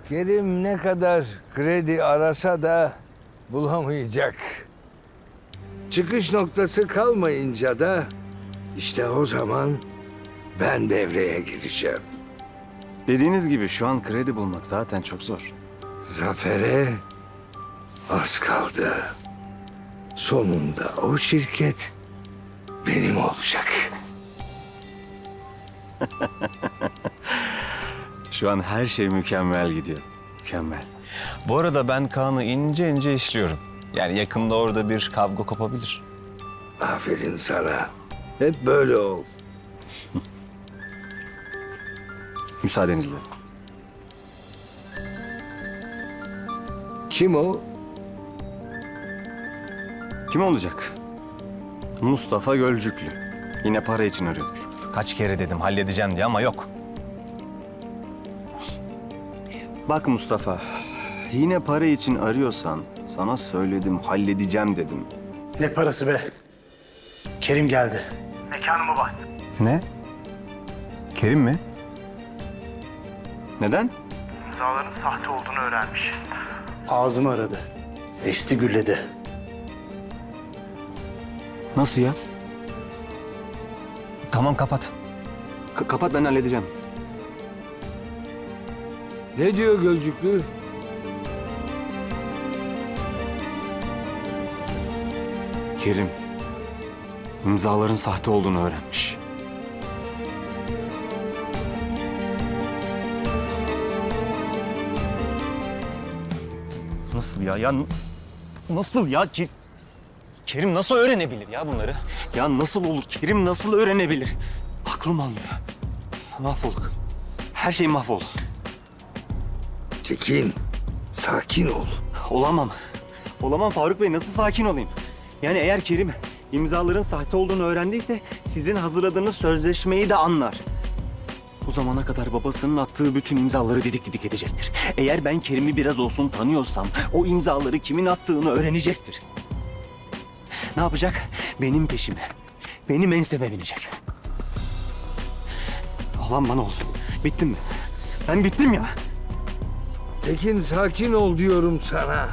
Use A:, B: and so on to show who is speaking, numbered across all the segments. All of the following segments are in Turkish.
A: Kerim ne kadar kredi arasa da bulamayacak. Çıkış noktası kalmayınca da işte o zaman ben devreye gireceğim.
B: Dediğiniz gibi şu an kredi bulmak zaten çok zor.
A: Zafer'e az kaldı. Sonunda o şirket benim olacak.
B: Şu an her şey mükemmel gidiyor. Mükemmel. Bu arada ben Kaan'ı ince ince işliyorum. Yani yakında orada bir kavga kopabilir.
A: Aferin sana. Hep böyle ol.
B: Müsaadenizle.
A: Kim o?
B: Kim olacak? Mustafa Gölcüklü. Yine para için arıyor. Kaç kere dedim halledeceğim diye ama yok. Bak Mustafa, yine para için arıyorsan sana söyledim, halledeceğim dedim.
C: Ne parası be? Kerim geldi. Mekanımı bastı.
B: Ne? Kerim mi? Neden?
C: İmzaların sahte olduğunu öğrenmiş. Ağzımı aradı. Esti gürledi.
B: Nasıl ya? Tamam kapat. Kapat, ben halledeceğim.
A: Ne diyor Gölcüklü?
B: Kerim imzaların sahte olduğunu öğrenmiş. Nasıl ya? Nasıl ya? Kerim nasıl öğrenebilir ya bunları? Ya nasıl olur? Kerim nasıl öğrenebilir? Aklım almıyor. Mahvolduk. Her şey mahvoldu.
A: Tekin, sakin ol.
B: Olamam. Olamam Faruk Bey. Nasıl sakin olayım? Yani eğer Kerim imzaların sahte olduğunu öğrendiyse sizin hazırladığınız sözleşmeyi de anlar. O zamana kadar babasının attığı bütün imzaları didik didik edecektir. Eğer ben Kerim'i biraz olsun tanıyorsam o imzaları kimin attığını öğrenecektir. Ne yapacak? Benim peşime, benim enseme binecek. Allah'ım bana oldu. Bittim mi? Ben bittim ya.
A: Tekin sakin ol diyorum sana.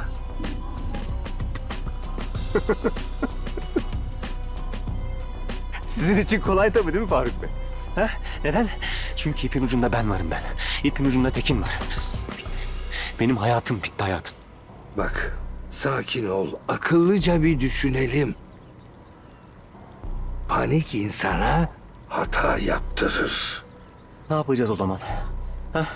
B: Sizin için kolay tabii değil mi Faruk Bey? Ha? Neden? Çünkü ipin ucunda ben varım ben. İpin ucunda Tekin var. Bitti. Benim hayatım bitti hayatım.
A: Bak, sakin ol. Akıllıca bir düşünelim. Panik insana hata yaptırır.
B: Ne yapacağız o zaman? Ha?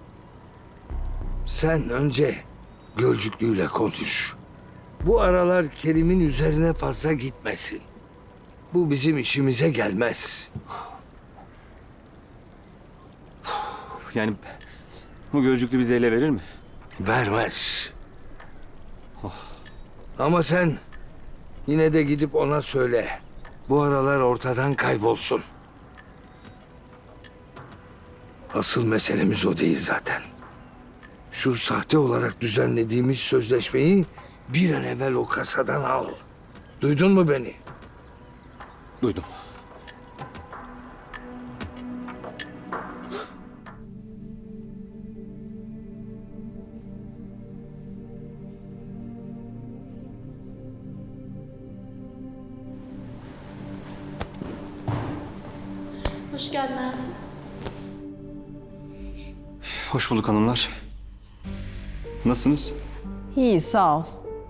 A: Sen önce Gölcüklü'yle konuş. Bu aralar Kerim'in üzerine fazla gitmesin. Bu bizim işimize gelmez.
B: Yani bu Gölcüklü bizi ele verir mi?
A: Vermez. Ama sen yine de gidip ona söyle. Bu aralar ortadan kaybolsun. Asıl meselemiz o değil zaten. Şu sahte olarak düzenlediğimiz sözleşmeyi bir an evvel o kasadan al. Duydun mu beni?
B: Duydum.
D: Hoş geldin hayatım.
B: Hoş bulduk hanımlar. Nasılsınız?
E: İyi, sağ ol.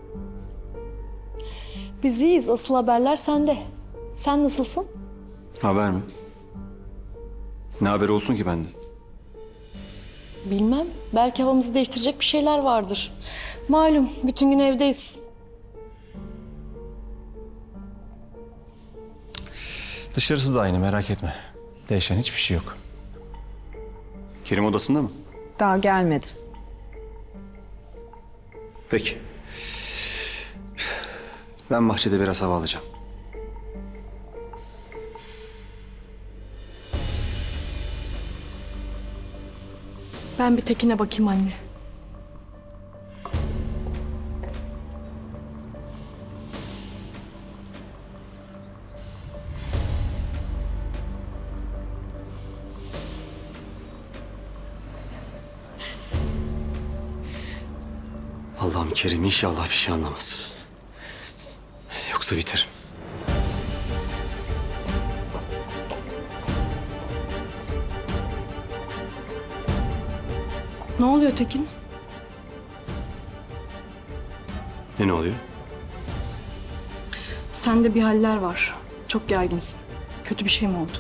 D: Biz iyiyiz. Asıl haberler sende. Sen nasılsın?
B: Haber mi? Ne haber olsun ki benden?
D: Bilmem. Belki havamızı değiştirecek bir şeyler vardır. Malum bütün gün evdeyiz.
B: Dışarısı da aynı merak etme. Değişen hiçbir şey yok. Kerim odasında mı?
E: Daha gelmedi.
B: Peki. Ben bahçede biraz hava alacağım.
D: Ben bir Tekin'e bakayım anne.
B: Allah'ım Kerim inşallah bir şey anlamaz. Yoksa biterim.
D: Ne oluyor Tekin?
B: Ne oluyor?
D: Sende bir haller var. Çok gerginsin. Kötü bir şey mi oldu?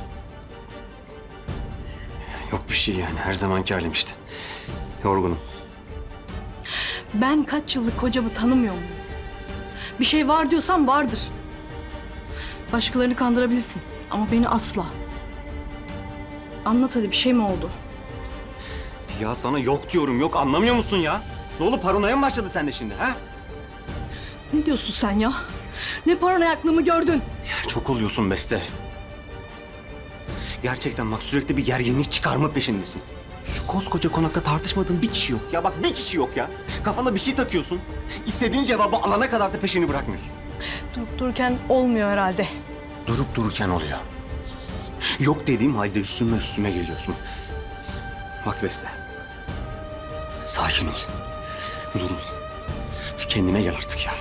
B: Yok bir şey yani. Her zamanki halim işte. Yorgunum.
D: Ben kaç yıllık kocamı tanımıyor muyum? Bir şey var diyorsan vardır. Başkalarını kandırabilirsin ama beni asla. Anlat hadi, bir şey mi oldu?
B: Ya sana yok diyorum. Yok anlamıyor musun ya? Ne oldu, paranoya mı başladı sende şimdi ha?
D: Ne diyorsun sen ya? Ne paranoyaklığımı gördün?
B: Ya çok oluyorsun Beste. Gerçekten bak sürekli bir gerginlik çıkarma peşindesin. Şu koskoca konakta tartışmadığın bir kişi yok. Ya bak bir kişi yok ya. Kafana bir şey takıyorsun. İstediğin cevabı alana kadar da peşini bırakmıyorsun.
D: Durup dururken olmuyor herhalde.
B: Durup dururken oluyor. Yok dediğim halde üstüme geliyorsun. Bak Beste. Sakin ol. Dur. Kendine gel artık ya.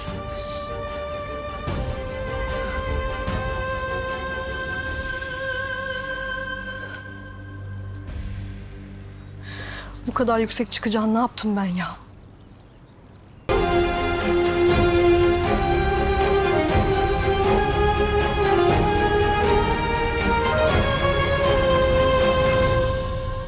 D: Bu kadar yüksek çıkacağını ne yaptım ben ya?